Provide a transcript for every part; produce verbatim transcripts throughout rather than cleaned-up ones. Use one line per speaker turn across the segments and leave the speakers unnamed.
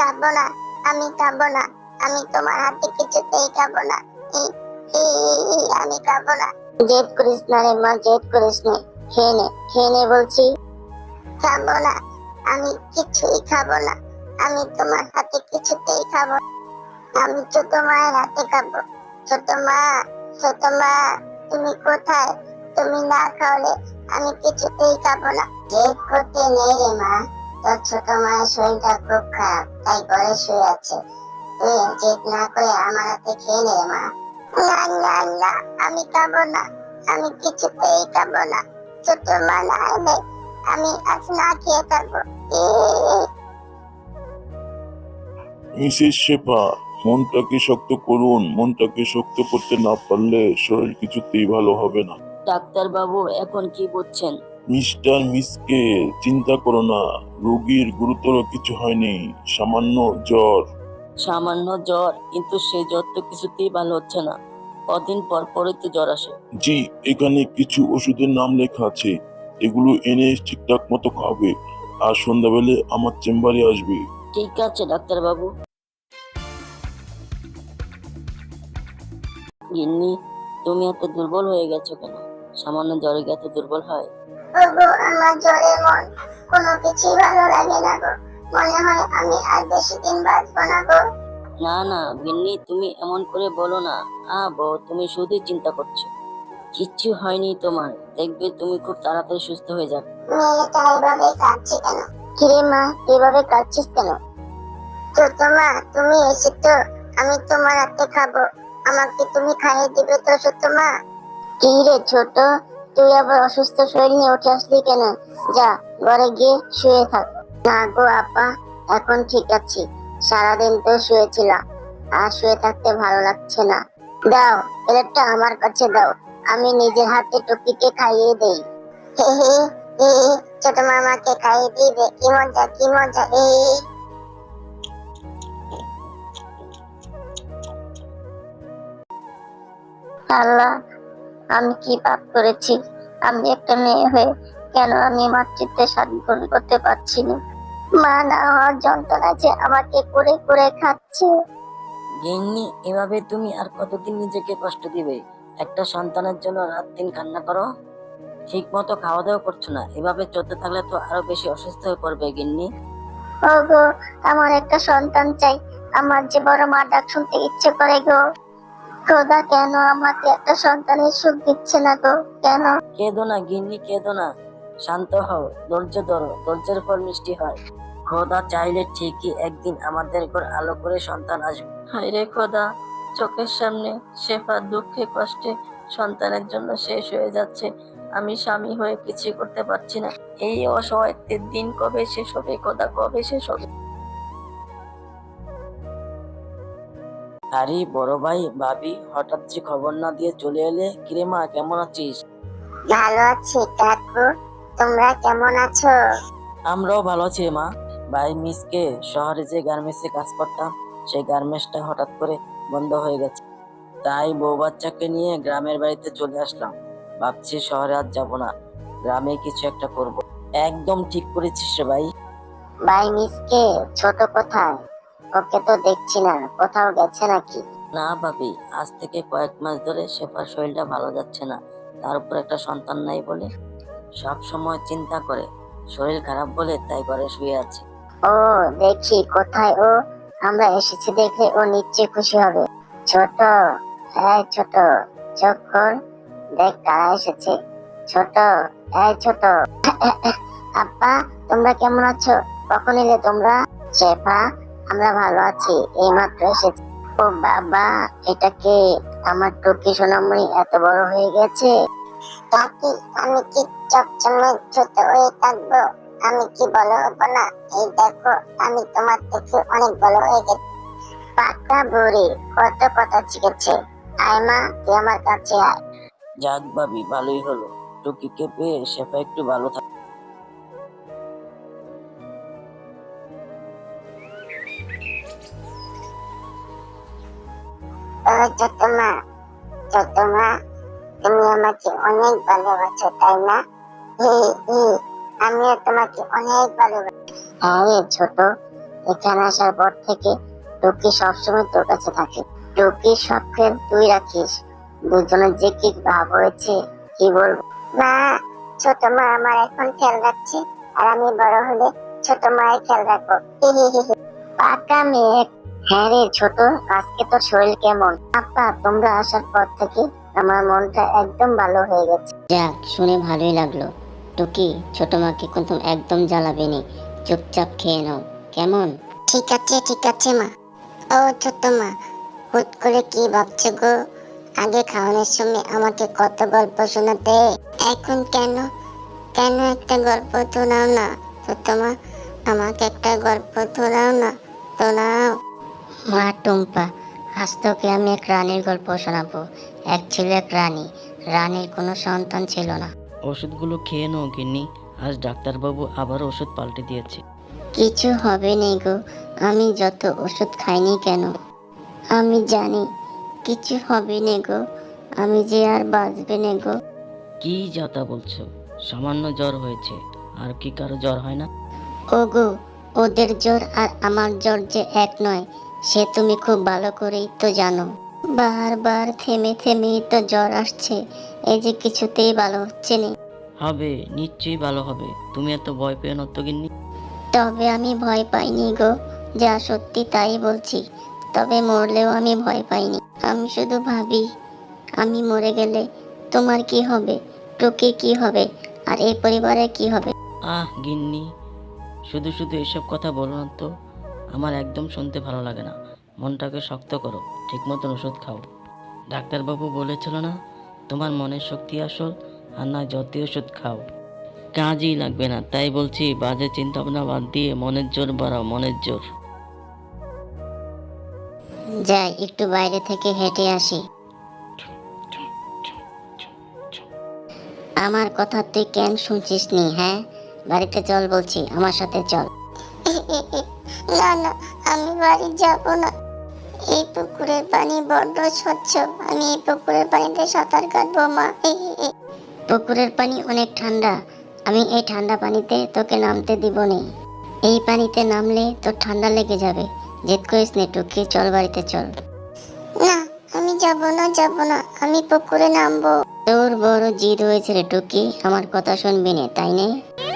খাবো না, আমি খাবো না, আমি তোমার হাতে কিছুতেই খাবো না। ই, ই, ই, আমি খাবো না। জেদ করিস না রে মা, জেদ করিস না। খেয়ে নে, খেয়ে নে বলছি। খাবো না, আমি কিছুই খাবো না, আমি তোমার হাতে কিছুতেই খাবো না। আমি ছোট মায়ের হাতে খাবো। ছোট মা, ছোট মা, তুমি কোথায়? তুমি না খাওয়ালে আমি কিছুতেই খাবো না। জেদ করতে নেই রে মা, তোর ছোট মায়ের শরীরটা খুব খারাপ, তাই ঘরে শুয়ে আছে। তুই জেদ না করে আমার হাতে খেয়ে নে রে মা। না না না, আমি খাবো না, আমি কিছুতেই খাবো না। ছোট মা না এলে আমি আজ না খেয়ে থাকবো।
মিসেস শেফা, মনটাকে শক্ত করুন। মনটাকে শক্ত করতে না পারলে শরীর কিছুতেই ভালো হবে না।
ডাক্তার বাবু এখন কি বুঝছেন?
মিস্টার মিসকে, চিন্তা করো না, রোগীর গুরুতর কিছু হয়নি, সামান্য জ্বর।
সামান্য জ্বর, কিন্তু সেই জ্বর তো কিছুতেই ভালো হচ্ছে না। কদিন পর পরই তো জ্বর আসে।
জি, এখানে কিছু ওষুধের নাম লেখা আছে, এগুলো এনে ঠিকঠাক মতো খাবে, আর সন্ধ্যাবেলে আমার চেম্বারে আসবে।
ঠিক আছে ডাক্তার বাবু। গিন্নি, তুমি এত দুর্বল হয়ে গেছো কেন? সামান্য জ্বরে কি এত দুর্বল হয়?
ওগো, আমার জ্বরে মন কোনো কিছুই ভালো লাগে না গো। মনে হয় আমি আর বেশি দিন বাঁচবো না গো।
না না গিন্নি, তুমি এমন করে বলো না। আ বউ, তুমি শুধু চিন্তা করছো। কিচ্ছু হয়নি তোমার, দেখবে তুমি খুব তাড়াতাড়ি সুস্থ হয়ে যাবে।
মেয়েটা এভাবে কাঁদছে কেন? কিরে মা, এভাবে কাঁদছিস কেন? ছোট মা, তুমি এসেছো, আমি তোমার হাতে খাবো, আমাকে তুমি খাইয়ে দিবে তো ছোট মা? কি রে ছোট, তুই আবার অসুস্থ শরীর নিয়ে উঠে আসলি কেন? যা, ঘরে গিয়ে শুয়ে থাক। না গো আপা, এখন ঠিক আছি। সারাদিন তো শুয়েছিলাম, আর শুয়ে থাকতে ভালো লাগছে না। দাও, প্লেটটা আমার কাছে দাও, আমি নিজের হাতে টুকিকে খাইয়ে দেই। হে হে হে, ছোট মামাকে খাইয়ে দিবে, কি মজা কি মজা। হে আল্লাহ, আমি কি পাপ করেছি? আমি একটা মেয়ে হয়ে কেন আমি মাতৃত্বের স্বাদ গ্রহণ করতে পারছি না? মা না হওয়ার যন্ত্রণা যে আমাকে করে করে খাচ্ছে।
গিন্নি, এভাবে তুমি আর কতদিন নিজেকে কষ্ট দিবে? একটা সন্তানের জন্য রাত দিন কান্না করো, ঠিক মতো খাওয়া দাওয়া করছো না। এভাবে চলতে থাকলে তো আরো বেশি অসুস্থ হয়ে পড়বে গিন্নি।
ওগো, আমার একটা সন্তান চাই, আমার যে বড় মা ডাক শুনতে ইচ্ছে করে গো। খোদা, কেন আমাকে একটা সন্তানের সুখ দিচ্ছে না গো? কেন?
কেঁদো না গিন্নি, কেঁদো না, শান্ত হও, ধৈর্য ধরো, ধৈর্যের ফল মিষ্টি হয়। খোদা চাইলে ঠিকই একদিন আমাদের ঘর আলো করে সন্তান আসবে। হায় রে খোদা, চোখের সামনে শেফা দুঃখে কষ্টে সন্তানের জন্য শেষ হয়ে যাচ্ছে। আমি স্বামী হয়ে কিছু করতে পারছি না। এই অসহায়ত্বের দিন কবে শেষ হবে খোদা, কবে শেষ হবে? আরে বড় ভাই, ভাবি, হঠাৎ যে খবর না দিয়ে চলে এলে। কিরে মা, কেমন আছিস?
ভালো আছি কাকু, তোমরা কেমন আছো?
আমরাও ভালো আছি মা। ভাই, মিসকে শহরে যে গার্মেন্টসে কাজ করতাম, সেই গার্মেন্টসটা হঠাৎ করে বন্ধ হয়ে গেছে, তাই বউ বাচ্চাকে নিয়ে গ্রামের বাড়িতে চলে আসলাম। ভাবছি শহরে আর যাব না, গ্রামে কিছু একটা করব। একদম ঠিক করেছিস রে ভাই।
ভাই মিসকে ছোট কোথায়? ওকে তো দেখছি না, কোথাও গেছে নাকি?
না ভাবি, আজ থেকে কয়েক মাস ধরে শেফার শরীরটা ভালো যাচ্ছে না। তার উপর একটা সন্তান নাই বলে সব সময় চিন্তা করে, শরীর খারাপ বলে তাই ঘরে শুয়ে আছে।
ও, দেখি কোথায় ও। আমরা এসেছি দেখে ও নিশ্চয়ই খুশি হবে। ছোট, এই ছোট, চোখ খোল, দেখ কারা এসেছে। ছোট, এই ছোট। আপা, তোমরা কেমন আছো? কখন এলে তোমরা? শেফা, আমরা ভালো আছি, এইমাত্র এসেছি। ও বাবা, এটা কে? আমার টুকি সোনামণি এত বড় হয়ে গেছে। কাকি, আমি কি চকচমে ছোট হয়ে থাকবো? আমি কি বড় হবো না? এই দেখো, আমি তোমার থেকে অনেক বড় হয়ে গেছি। পাকা বুড়ি, কত কথা শিখেছে। আয় মা, তুই আমার কাছে আয়।
যাক ভাবি, ভালোই হলো, টুকিকে পেয়ে শেফা একটু ভালো থাকে।
ও ছোট মা, ছোট মা, তুমি আমাকে অনেক ভালোবাসো তাই না? হি হি, আমিও তোমাকে অনেক ভালোবাসি। হ্যাঁ রে ছোট, এখানে আসার পর থেকে টুকি সবসময় তোর কাছে থাকে। টুকির সব খেল তুই রাখিস। দুজনের যে কি ভাব হয়েছে কি বলবো। মা, ছোট মা আমার এখন খেয়াল রাখছে, আর আমি বড় হলে ছোট মায়ের খেয়াল রাখবো। পাকা মেয়ে। হ্যাঁ রে ছোট, আজকে তোর শরীর কেমন? আপা, তোমরা আসার পর থেকে আমার মনটা একদম ভালো হয়ে গেছে।
যাক, শুনে ভালোই লাগলো। টুকি, ছোট মাকে কিন্তু একদম জ্বালাবে নি, চুপচাপ খেয়ে নাও, কেমন?
ঠিক আছে ঠিক আছে মা। ও ছোট মা, হুট করে কি ভাবছো গো? আগে খাওয়ানোর সময় আমাকে কত গল্প শোনাতে, এখন কেন কেন একটা গল্প শোনাও না ছোট মা? আমাকে একটা গল্প শোনাও না, শোনাও।
মা টুম্পা, আজ তোকে আমি এক রানীর গল্প শোনাবো। এক ছিল এক রানী। রানীর কোনো সন্তান ছিল না।
ওষুধগুলো খেয়ে নাও গিন্নি, আজ ডাক্তারবাবু আবার ওষুধ পাল্টে দিয়েছে।
কিছু হবে নেই গো, আমি যত ওষুধ খাইনি কেন, আমি জানি কিছু হবে নে গো, আমি যে আর বাঁচবে নে গো।
কি যাতা বলছো? সামান্য জ্বর হয়েছে, আর কি কারো জ্বর হয় না?
ওগো, ওদের জ্বর আর আমার জ্বর যে এক নয়, সে তুমি খুব ভালো করেই তো জানো। বারবার থেমে থেমেই তো জ্বর আসছে, এই যে কিছুতেই ভালো হচ্ছে না।
হবে, নিশ্চয়ই ভালো হবে, তুমি এত ভয় পেও না তো গিন্নি।
তবে আমি ভয় পাইনি গো, যা সত্যি তাই বলছি। তবে মরলেও আমি ভয় পাইনি। আমি শুধু ভাবি, আমি মরে গেলে তোমার কি হবে, টুকি কি হবে, আর এই পরিবারের কি হবে।
আহ গিন্নি, শুধু শুধু এসব কথা বলো না তো, আমার একদম শুনতে ভালো লাগে না। মনটাকে শক্ত করো, ঠিক মতন ওষুধ খাও। ডাক্তারবাবু বলেছিল না, তোমার মনের শক্তি আসল, আর না যতই ওষুধ খাও কাজই লাগবে না। তাই বলছি, বাজে চিন্তা ভাবনা বাদ দিয়ে মনের জোর বাড়াও, মনের জোর।
যাই একটু বাইরে থেকে হেঁটে আসি। আমার কথা তুই কেন শুনছিস নি? হ্যাঁ, বাড়িতে চল বলছি, আমার সাথে চল।
না না, আমি বাড়ি যাব না। এই পুকুরের পানি বড্ড স্বচ্ছ, আমি এই পুকুরের পানিতে সাঁতার কাটবো মা।
পুকুরের পানি অনেক ঠান্ডা, আমি এই ঠান্ডা পানিতে তোকে নামতে দিব নি। এই পানিতে নামলে তোর ঠান্ডা লেগে যাবে। জেদ করিস নে টুকি, চল বাড়িতে চল।
না, আমি যাব না যাব না, আমি পুকুরে নামবো।
তোর বড় জিদ হয়েছে রে টুকি, আমার কথা শুনবি নে, তাই নে?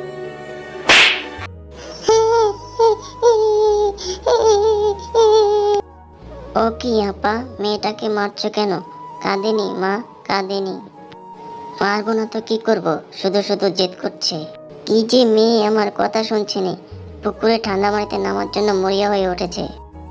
ও কি আপা, মেয়েটাকে মারছো কেন? কাঁদেনি মা, কাঁদেনি। পারবো না তো কি করব, শুধু শুধু জেদ করছে। কি যে মেয়ে, আমার কথা শুনছে না, পুকুরে ঠান্ডা পানিতে নামার জন্য মরিয়া হয়ে উঠেছে।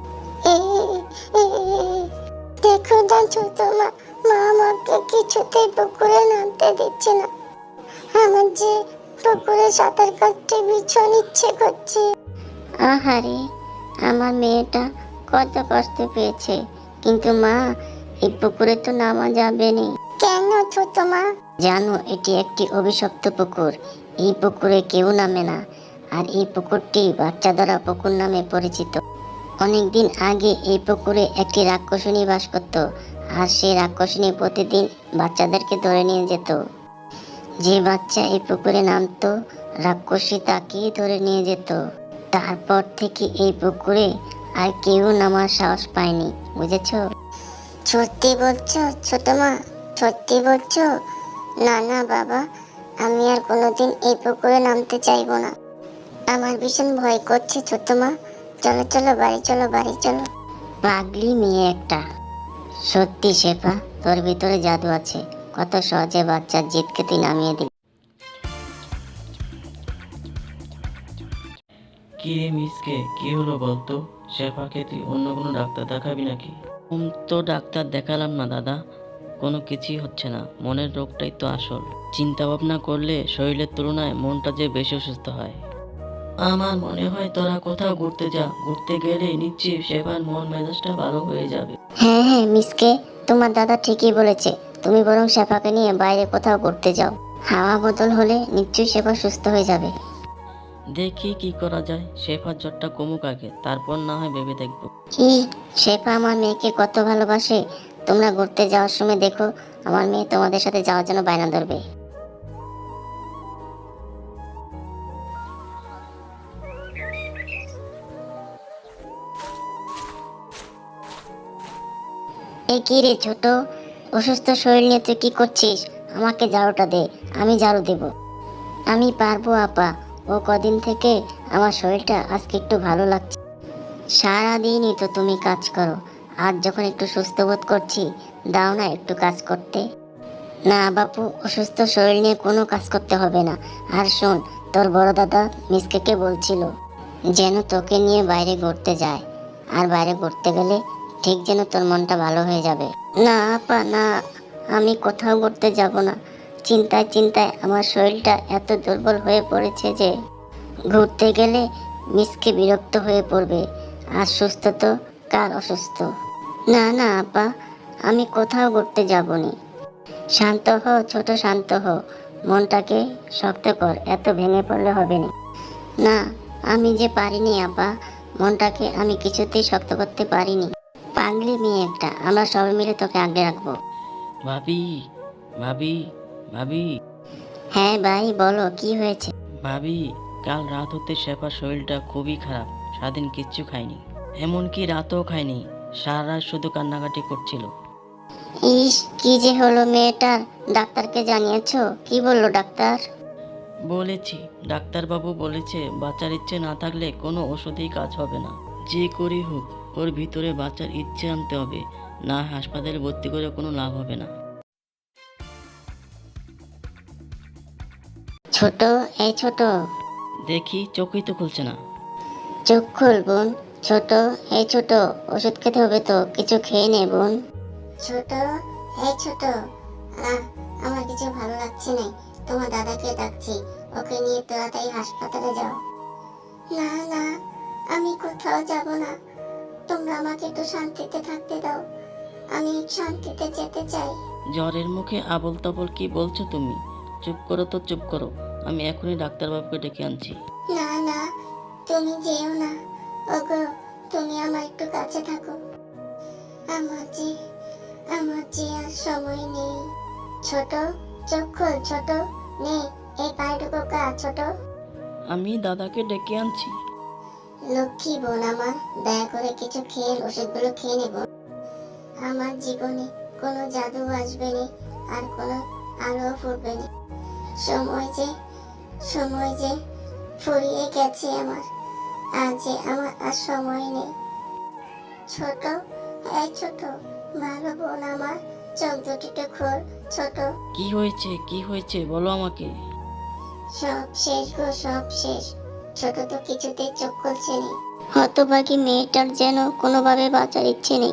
দেখো না ছোট মা, মা আমাকে কিছুতেই পুকুরে নামতে দিচ্ছে না। আমার যে পুকুরে সাঁতার কাটতে ভীষণ ইচ্ছে করছে।
আহারে, আমার মেয়েটা কত কষ্ট পেয়েছে, কিন্তু মা, এই পুকুরে তো নামা যাবে না।
কেন ছোট মা?
জানো, এটি একটি অভিশপ্ত পুকুর। এই পুকুরে কেউ নামে না, আর এই পুকুরটি বাচ্চা ধরা পুকুর নামে পরিচিত। অনেকদিন আগে এই পুকুরে একটি রাক্ষসিনী বাস করত, আর সেই রাক্ষসিনী প্রতিদিন বাচ্চাদেরকে ধরে নিয়ে যেত। যে বাচ্চা এই পুকুরে নামতো, রাক্ষসী তাকেই ধরে নিয়ে যেত। তারপর থেকে এই পুকুরে আর কেউ নামার সাহস পায়নি, বুঝেছো?
সত্যি বলছো ছোট মা, সত্যি বলছো? না না বাবা, আমি আর কোনোদিন এই পুকুরে নামতে চাইবো না। আমার ভীষণ ভয় করছে ছোট মা। চলো চলো বাড়ি চলো, বাড়ি চলো।
পাগলি মেয়ে একটা। সত্যি শেফা, তোর ভিতরে জাদু আছে, কত সহজে বাচ্চার জিদকে তুই নামিয়ে দিলি।
কি রে মিসকে, কি হলো বলতো? শেফাকে তুই অন্য কোনো ডাক্তার দেখাবি নাকি? উম, তো ডাক্তার দেখালাম না দাদা, কোনো কিছুই হচ্ছে না। মনের রোগটাই তো আসল। চিন্তা ভাবনা করলে শরীরের তুলনায় মনটা যে বেশি অসুস্থ হয়। আমার মনে হয় তোরা কোথাও ঘুরতে যা, ঘুরতে গেলে নিশ্চয়ই শেফার মন মেজাজটা ভালো হয়ে যাবে।
হ্যাঁ হ্যাঁ মিসকে, তোমার দাদা ঠিকই বলেছে, তুমি বরং শেফাকে নিয়ে বাইরে কোথাও ঘুরতে যাও। হাওয়া বদল হলে নিশ্চয়ই শেফা সুস্থ হয়ে যাবে।
দেখি কি করা যায়, শেফার জ্বরটা কমুক আগে, তারপর না হয় ভেবে দেখবো।
কি, শেফা আমার মেয়েকে কত ভালোবাসে। তোমরা ঘুরতে যাওয়ার সময় দেখো, আমার মেয়ে তোমাদের সাথে যাওয়ার জন্য বায়না ধরবে। এ কি রে ছোট, অসুস্থ শরীর নিয়ে তুই কি করছিস? আমাকে ঝাড়ুটা দে, আমি ঝাড়ু দেব। আমি পারবো আপা, ও কদিন থেকে আমার শরীরটা আজকে একটু ভালো লাগছে। সারাদিনই তো তুমি কাজ করো, আজ যখন একটু সুস্থ বোধ করছি, দাও না একটু কাজ করতে। না বাপু, অসুস্থ শরীর নিয়ে কোনো কাজ করতে হবে না। আর শোন, তোর বড় দাদা মিসকেকে বলছিল যেন তোকে নিয়ে বাইরে ঘুরতে যায়, আর বাইরে ঘুরতে গেলে ঠিক যেন তোর মনটা ভালো হয়ে যাবে। না আপা না, আমি কোথাও ঘুরতে যাব না। চিন্তায় চিন্তায় আমার শরীরটা এত দুর্বল হয়ে পড়েছে যে ঘুরতে গেলে মিসকে বিরক্ত হয়ে পড়বে, আর সুস্থ তো কার অসুস্থ। না না আপা, আমি কোথাও ঘুরতে যাব না। শান্ত হো ছোট, শান্ত হো, মনটাকে শক্ত কর, এত ভেঙে পড়লে হবে না। না, আমি যে পারিনি আপা, মনটাকে আমি কিছুতেই শক্ত করতে পারিনি। পাগলি মেয়ে একটা, আমরা সবাই মিলে তোকে আগলে রাখবো।
ভাবি ভাবি ভাবি
হ্যাঁ ভাই বলো, কি হয়েছে?
ভাবি কাল রাত হতে শেফার শরীরটা খুবই খারাপ, সারাদিন কিচ্ছু খায়নি, এমনকি রাতও খায়নি, সারা রাত শুধু কান্নাকাটি করছিল।
ইস, কি যে হলো মেয়েটার? ডাক্তারকে জানিয়েছো? কি বললো ডাক্তার?
বলেছি, ডাক্তারবাবু বলেছে বাচ্চার ইচ্ছে না থাকলে কোনো ওষুধেই কাজ হবে না, যে করে হোক ওর ভিতরে বাচ্চার ইচ্ছে আনতে হবে, না হাসপাতালে ভর্তি করে কোনো লাভ হবে না।
ছোট, এই ছোট,
দেখি চোখই তো খুলছে না।
চোখ খুল বোন। ছোট, এই ছোট, ওষুধ খেতে হবে তো, কিছু খেয়ে নে বোন। ছোট, এই ছোট, আহ আমার কিছু ভালো লাগছে না, তোমার দাদাকে ডাকছি, ওকে নিয়ে তাড়াতাড়ি হাসপাতালে যাও। না না, আমি কোথাও যাব না, তোমরা আমাকে একটু শান্তিতে থাকতে দাও, আমি শান্তিতে যেতে চাই।
জ্বরের মুখে আবল তাবল কি বলছো তুমি? চুপ করো তো, চুপ করো, আমি এখনই ডাক্তারবাবুকে ডেকে আনছি।
না না, তুমি যেও না, ওগো তুমি আমার একটু কাছে থাকো, আমার যে আমার যে আর সময় নেই। ছোট, চোখ খোল ছোট, নে এই পায়েটুকু কা ছোট।
আমি দাদাকে ডেকে আনছি।
লক্ষ্মী বোন আমার, দয়া করে কিছু খেয়ে ওষুধগুলো খেয়ে নেব। আমার জীবনে কোনো জাদু আসবে না, আর কোনো আলো ফুটবে না। সময় যে সময় যে ফুরিয়ে গেছে আমার, আজ যে আমার আর সময় নেই। ছোট, এই ছোট, ভালো বোন আমার, চোখ দুটিতে খোল ছোট।
কি হয়েছে, কি হয়েছে বলো আমাকে।
সব শেষ গো, সব শেষ। ছোট তো কিছুতেই চোখ খুলছে না। হতভাগী মেয়েটার যেন কোনোভাবে বাঁচার ইচ্ছে নেই।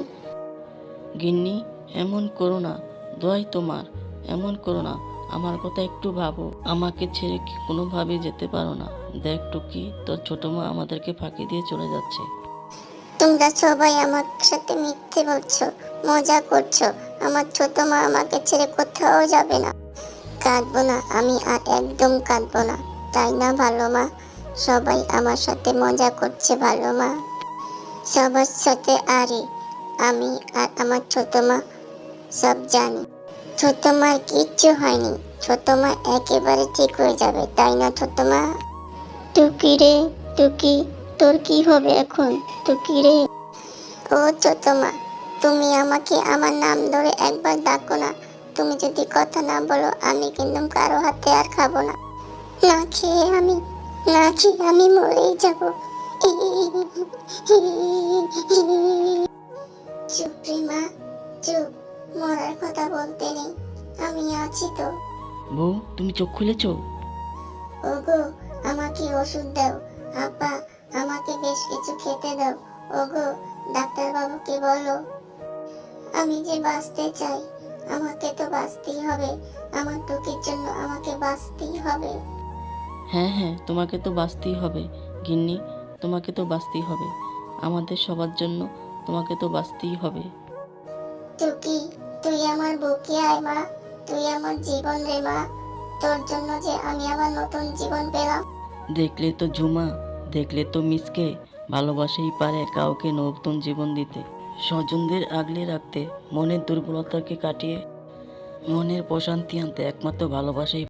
গিন্নি, এমন করো না, দোয়াই তোমার, এমন করো না, আমার কথা একটু ভাবো, আমাকে ছেড়ে কি কোনোভাবে যেতে পারো না? দেখ টুকি, তোর ছোট মা আমাদেরকে ফাঁকি দিয়ে চলে যাচ্ছে।
তোমরা সবাই আমার সাথে মিথ্যে বলছো, মজা করছো। আমার ছোট মা আমাকে ছেড়ে কোথাও যাবে না। কাঁদবো না, আমি আর একদম কাঁদবো না, তাই না ভালো মা? সবাই আমার সাথে মজা করছে ভালো মা, সবার সাথে। আরে আমি আর আমার ছোট মা সব জানি, ছোট মার কিচ্ছু হয়নি, ছোট মা একেবারে ঠিক হয়ে যাবে, তাই না ছোট মা? টুকি রে, টুকি, তোর কি হবে এখন? টুকি রে, ও ছোট মা, তুমি আমাকে আমার নাম ধরে একবার ডাকো না। তুমি যদি কথা না বলো, আমি কিন্তু কারো হাতে আর খাবো না। না খেয়ে আমি না খেয়ে আমি মরেই যাব। চুপ রে মা, চুপ, মরার কথা বলতে নেই, আমি আছি তো।
বউ, তুমি চোখ খুলেছো?
ওগো আমাকে ওষুধ দাও, আপা আমাকে বেশ কিছু খেতে দাও। ওগো ডাক্তার বাবুকে বলো, আমি যে বাঁচতে চাই, আমাকে তো বাঁচতেই হবে, আমার টুকির জন্য আমাকে বাঁচতেই হবে।
হ্যাঁ হ্যাঁ, তোমাকে তো বাঁচতেই হবে গিন্নি, তোমাকে তো বাঁচতেই হবে, আমাদের সবার জন্য তোমাকে তো বাঁচতেই হবে।
টুকি, তুই আমার বুকে আয় মা, তুই আমার জীবন রে মা, তোর জন্য যে আমি আবার নতুন জীবন পেলাম।
দেখলে তো ঝুমা, দেখলে তো মিসকে, ভালোবাসাই পারে কাউকে নতুন জীবন দিতে, স্বজনদের আগলে রাখতে, মনের দুর্বলতাকে কাটিয়ে মনের প্রশান্তি আনতে একমাত্র ভালোবাসাই